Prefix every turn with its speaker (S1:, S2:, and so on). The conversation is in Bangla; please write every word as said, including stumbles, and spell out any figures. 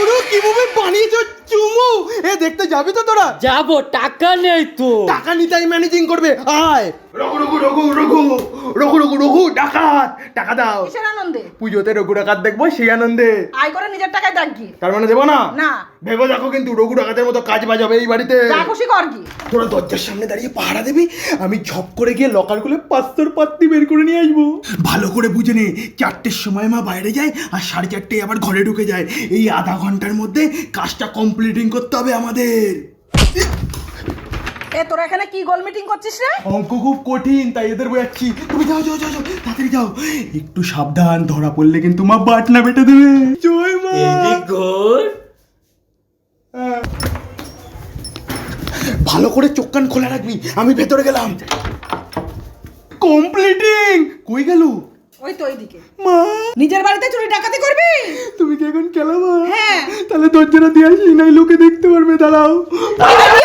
S1: গুরু কিভাবে বানিয়েছো চুমু? এ দেখতে যাবি তো তোরা?
S2: যাবো, টাকা নেই তো।
S1: টাকা নিতেই ম্যানেজিং করবে। আয় রঘু রঘু রঘু রঘু রঘু রঘু রঘু ডাকাত, টাকা দাও।
S3: কিসের আনন্দে?
S1: পুজোতে রঘু ডাকাত দেখবো, সেই আনন্দে।
S3: আয় করে নিজের টাকায় দেখ গিয়ে।
S1: তার মানে দেবো না?
S3: না।
S1: ভেবে দেখো কিন্তু রঘু ডাকাতের মতো কাজ বাজাবে এই বাড়িতে।
S3: যা খুশি কর কি।
S1: তোরা দরজার সামনে দাঁড়িয়ে পাহারা দিবি, আমি ঝপ করে গিয়ে লকার খুলে পাঁচশোর পাত্তি বের করে নিয়ে আসবো। ভালো করে বুঝে নে, চারটের সময় মা বাইরে যায় আর সাড়ে চারটে আবার ঘরে ঢুকে যায়। এই আধা ঘন্টার মধ্যে কাজটা কমপ্লিটিং করতে হবে আমাদের।
S3: এ তোরা এখানে কি গোল মিটিং করছিস রে?
S1: অঙ্ক খুব কঠিন, তাই এদের বোঝাচ্ছি। তুমি যাও যাও যাও যাও, তাড়াতাড়ি যাও। একটু সাবধান, ধরা পড়লে কিন্তু মা বাটনা বেটে দেবে। জয় মা। ভালো করে চোখ কান খোলা রাখবি, আমি ভেতরে গেলাম। কমপ্লিটিং। কই গেল?
S3: ওই তো ওইদিকে।
S1: মা
S3: নিজের বাড়িতে চুরি ডাকাতি করবি?
S1: তুমি কি এখন খেলাবা?
S3: হ্যাঁ।
S1: তাহলে দরজাটা দিয়ে আসি, নাই লোকে দেখতে পারবে। দাঁড়াও।